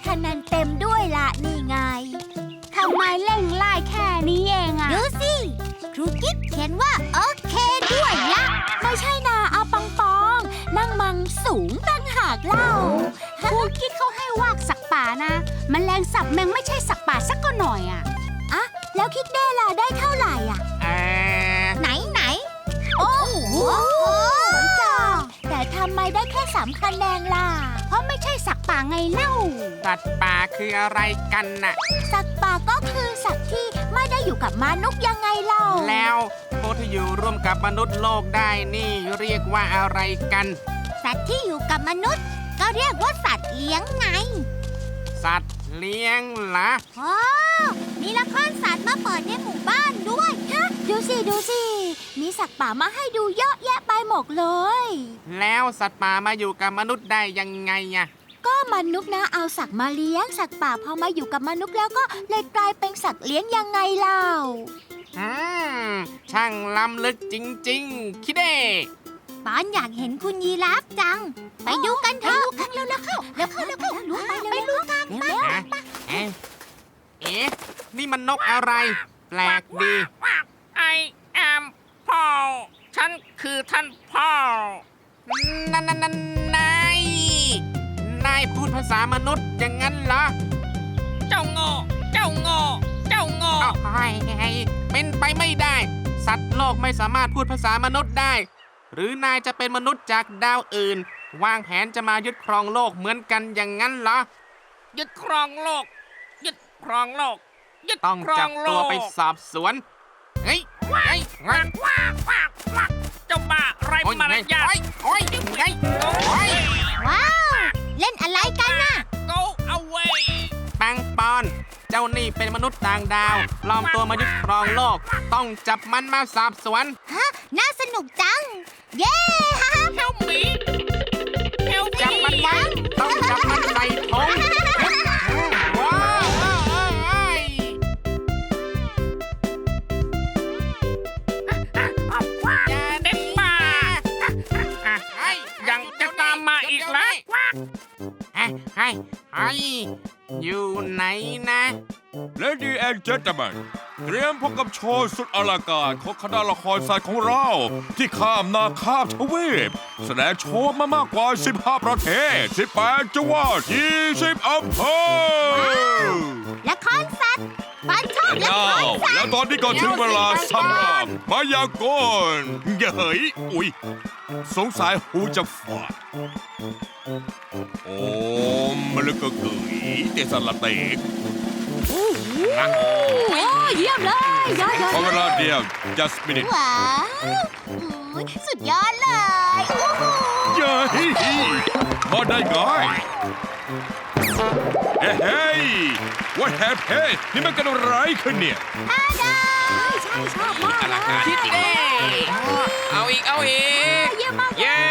คะแนนเต็มด้วยล่ะนี่ไงทำไมเร่งไล่แค่นี้เองอะดูสิครูกิ๊กเขียนว่าโอเคด้วยล่ะไม่ใช่นาเอาปังปองนั่งมังสูงตั้งหากเล่าครูกิ๊กเขาให้วากสักป่านะแมลงสับแมงไม่ใช่สักป่าสักก็หน่อยอะแล้วคิดได้ล่ะได้เท่าไหร่อ่ะไหนโอ้โหจ้าแต่ทำไมได้แค่3 คะแนนล่ะเพราะไม่ใช่สัตว์ป่าไงเล่าสัตว์ป่าคืออะไรกันน่ะสัตว์ป่าก็คือสัตว์ที่ไม่ได้อยู่กับมนุษย์ยังไงเล่าแล้วพวกที่อยู่ร่วมกับมนุษย์โลกได้นี่เรียกว่าอะไรกันสัตว์ที่อยู่กับมนุษย์ก็เรียกว่าสัตว์เลี้ยงไงสัตว์เลี้ยงเหรอมีละครสัตว์มาเปิดในหมู่บ้านด้วยฮะดูสิมีสัตว์ป่ามาให้ดูเยอะแยะไปหมดเลยแล้วสัตว์ป่ามาอยู่กับมนุษย์ได้ยังไงอะก็มนุษย์นะเอาสัตว์มาเลี้ยงสัตว์ป่าพอมาอยู่กับมนุษย์แล้วก็เลยกลายเป็นสัตว์เลี้ยงยังไงเล่าช่างล้ำลึกจริงๆคิดเด้ปอนอยากเห็นคุณยีราฟจังไปดูกันเถอะเร็วเข้าไปดูกันนี่มันนกอะไรแปลกดี I am Paul ฉันคือท่านพ่อนายพูดภาษามนุษย์อย่างนั้นเหรอเจ้าโง่เป็นไปไม่ได้สัตว์โลกไม่สามารถพูดภาษามนุษย์ได้หรือนายจะเป็นมนุษย์จากดาวอื่นวางแผนจะมายึดครองโลกเหมือนกันอย่างนั้นเหรอยึดครองโลกต้องจับตัวไปสอบสวนเฮ้ยเจ้าบ้าไรมารยาทว้าวเล่นอะไรกันน่ะ Go away ปังปอนเจ้านี่เป็นมนุษย์ต่างดาวปลอมตัวมายึดครองโลกต้องจับมันมาสอบสวนน่าสนุกจังเย้ Help me จับมันไว้ต้องจับมันใส่ถุงอยู่ไหนนะ Lady and Gentlemen เตรียมพบกับโชว์สุดอลังการของคณะละครสัตว์ของเราที่ข้ามนาข้ามทวีปแสดงโชว์มามากกว่า15 ประเทศ18 จังหวัด20 อำเภอละครสัตว์ปานชอบละครสัตว์แล้วตอนนี้ก็ถึงเวลาสำหรับพยากรณ์เฮ้ยอุ๊ยสงสัยหูจะฝาดโอ้มะลึกกะกึ๋ยเตสละเตกโอ้เยี่ยมเลยยอดขอเวลาเดียว just minute ว้าวสุดยอดเลยเย้มาได้ไงเฮ้ย what happened นี่มันเกิดอะไรขึ้นเนี่ยใช่ชอบมากเลยคิดเด้เอาอีกเยี่ยมมากเย้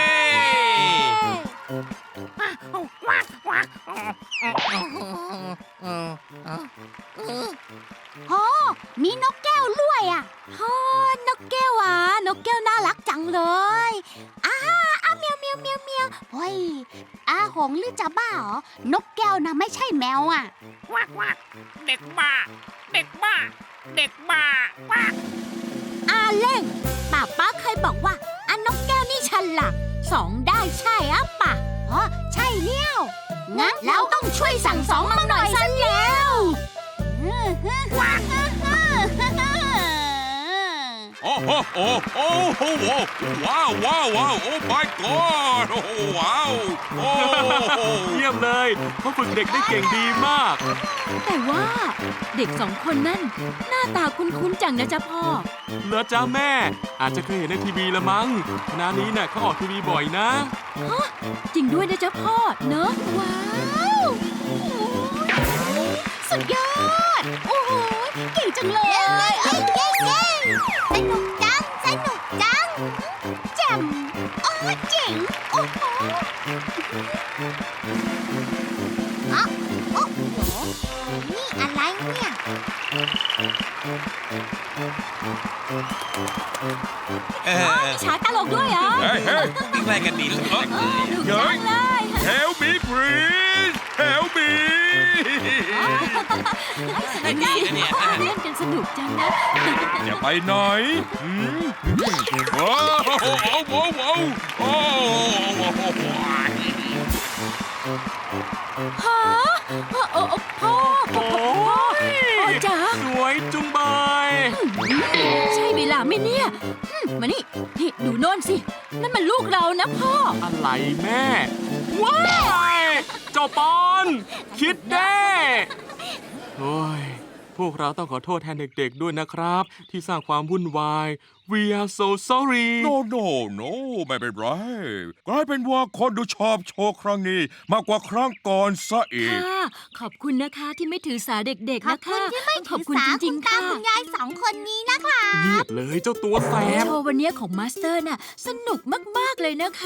มีนกแก้วด้วยอ่ะนกแก้วอ่ะนกแก้วน่ารักจังเลยเมียวเฮ้ยหงหรือจะบ้าเหรอนกแก้วนะไม่ใช่แมวอ่ะเด็กบ้าเล่งป้าเคยบอกว่านกแก้วนี่ฉลาด2ได้ใช่ป่ะใช่เลี้ยวงั้นเราต้องช่วยสั่งสอนมันหน่อยซะแล้วโอ้ว้าวโอ้ my god โอ้ว้าวเยี่ยมเลยเขาฝึกเด็กได้เก่งดีมากแต่ว่าเด็ก2 คนนั่นหน้าตาคุ้นๆจังนะจ๊ะพ่อเหรอจ๊ะแม่อาจจะเคยเห็นในทีวีละมั้งคณะนี้น่ะเขาออกทีวีบ่อยนะจริงด้วยนะจ๊ะพ่อเนอะว้าวสุดยอดโอ้โหเก่งจังเลยสนุกจังแจ่มเจ๋งโอ้โหนี่อะไรเนี่ยมีฉากตลกด้วยเหรอเฮ้ยแกล้งกันดีเลย Help me please Help me ได้ดีนะเนี่ยเล่นกันสนุกจังนะจะไปไหนว้าวว้าวว้าวว้าวฮะโอ้พ่อพ่อจ๋าสวยจุงเบยใช่เวลาไหมเนี่ยมานี่ดูโน่นสิ นั่นมันลูกเรานะพ่ออะไรแม่ ว้ายเจ้าปอนคิดแน่โอ้ยพวกเราต้องขอโทษแทนเด็กๆด้วยนะครับ ที่สร้างความวุ่นวาย We are so sorry No ไม่เป็นไรกลายเป็นว่าคนดูชอบโชว์ครั้งนี้ มากกว่าครั้งก่อนซะอีกค่ะ ขอบคุณนะคะที่ไม่ถือสาเด็กๆขอบนะคุคะณที่ไม่ขถือบอคุณสาจริคุงณๆตาค่ะคุณยาย2 คนนี้นะคะเงียบเลยเจ้าตัวแสบโชว์วันนี้ของมาสเตอร์น่ะสนุกมากๆเลยนะคะ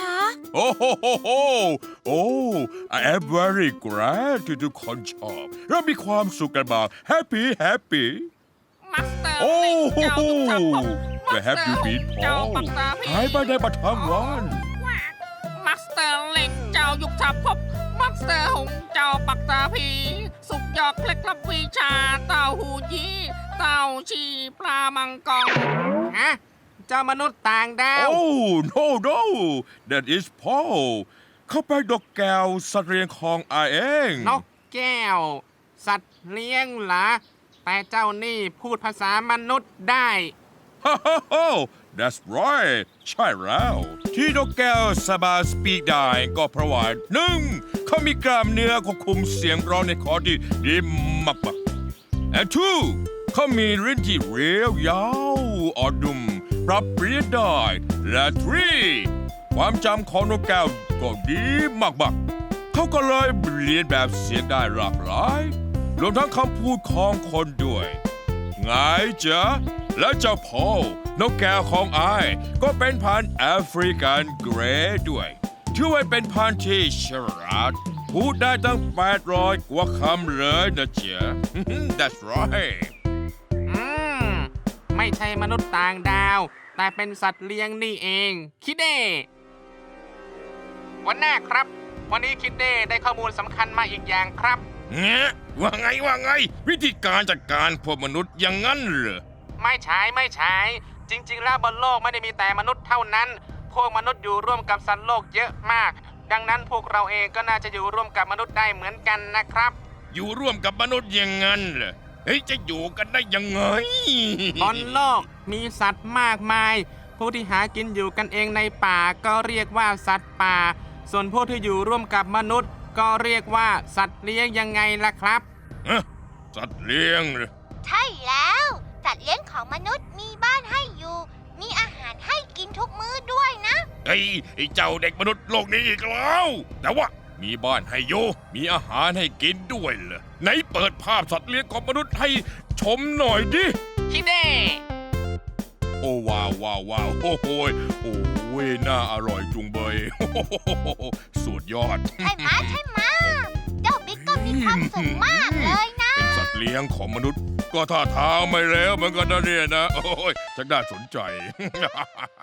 I am very glad ที่ทุกคนชอบเรามีความสุขกันมาก Happy มาสเตอร์โอ้เจ้ายุทธภพ Where have you been เจ้า Paul ปักตาพีหายไปได้มาทั้งวันมาสเตอร์เล็กเจ้ายุทธภพมาสเตอร์หงเจ้าปักตาพีสุกยอดเคล็ดลับวิชาเต้าหูยี่เต้าชีปลามังกรฮะ เจ้ามนุษย์ต่างดาว No that is Paul เขาเป็นดอกแก้วสัตว์เลี้ยงของอาเองนกแก้ว สัตว์เลี้ยงเหรอ แต่เจ้านี่พูดภาษามนุษย์ได้ That's right ใช่แล้ว ที่นกแก้วสามารถสปีกได้ก็เพราะว่าหนึ่งเขามีกล้ามเนื้อควบคุมเสียงร้องในคอที่ดีมากๆ and two เขามีลิ้นที่เรียวยาวอ่อนนุ่มปรับเปลี่ยนได้และ three ความจำของนกแก้วก็ดีมากๆ เขาก็เลยเรียนแบบเสียงได้หลากหลายรวมทั้งคำพูดของคนด้วยไงจ๊ะและเจ้าพ่อนกแก้วของอายก็เป็นพันธุ์แอฟริกันเกรย์ด้วยถือว่าเป็นพันธุ์ที่ฉลาดพูดได้ตั้ง800 กว่าคำเลยนะจ๊ะ That's right ไม่ใช่มนุษย์ต่างดาว แต่เป็นสัตว์เลี้ยงนี่เอง คิดเด้วันหน้าครับ วันนี้คิดเด้ได้ข้อมูลสำคัญมาอีกอย่างครับเงี้ยว่าไง วิธีการจัดการพวกมนุษย์อย่างนั้นเหรอไม่ใช่จริง ๆ แล้วบนโลกไม่ได้มีแต่มนุษย์เท่านั้น พวกมนุษย์อยู่ร่วมกับสัตว์โลกเยอะมาก ดังนั้นพวกเราเองก็น่าจะอยู่ร่วมกับมนุษย์ได้เหมือนกันนะครับอยู่ร่วมกับมนุษย์อย่างนั้นเหรอเฮ้ยจะอยู่กันได้ยังไงบนโลกมีสัตว์มากมาย พวกที่หากินอยู่กันเองในป่าก็เรียกว่าสัตว์ป่า ส่วนพวกที่อยู่ร่วมกับมนุษย์ ก็เรียกว่าสัตว์เลี้ยงยังไงล่ะครับสัตว์เลี้ยงเหรอใช่แล้วสัตว์เลี้ยงของมนุษย์มีบ้านให้อยู่ มีอาหารให้กินทุกมื้อด้วยนะไอ้เจ้าเด็กมนุษย์โลกนี้อีกแล้ว แต่ว่ามีบ้านให้อยู่มีอาหารให้กินด้วยเหรอไหนเปิดภาพสัตว์เลี้ยงของมนุษย์ให้ชมหน่อยดิคิดเด้โอ้ว้าวโอ้โหน่าอร่อยจุงเบย สุดยอดใช่ไหมเจ้าบิ๊กก็มีความสุขมากเลยนะเป็นสัตว์เลี้ยงของมนุษย์ ก็ท่าทางไม่แล้วเหมือนกันนะเนี่ยนะ โอ้ยจะน่าสนใจ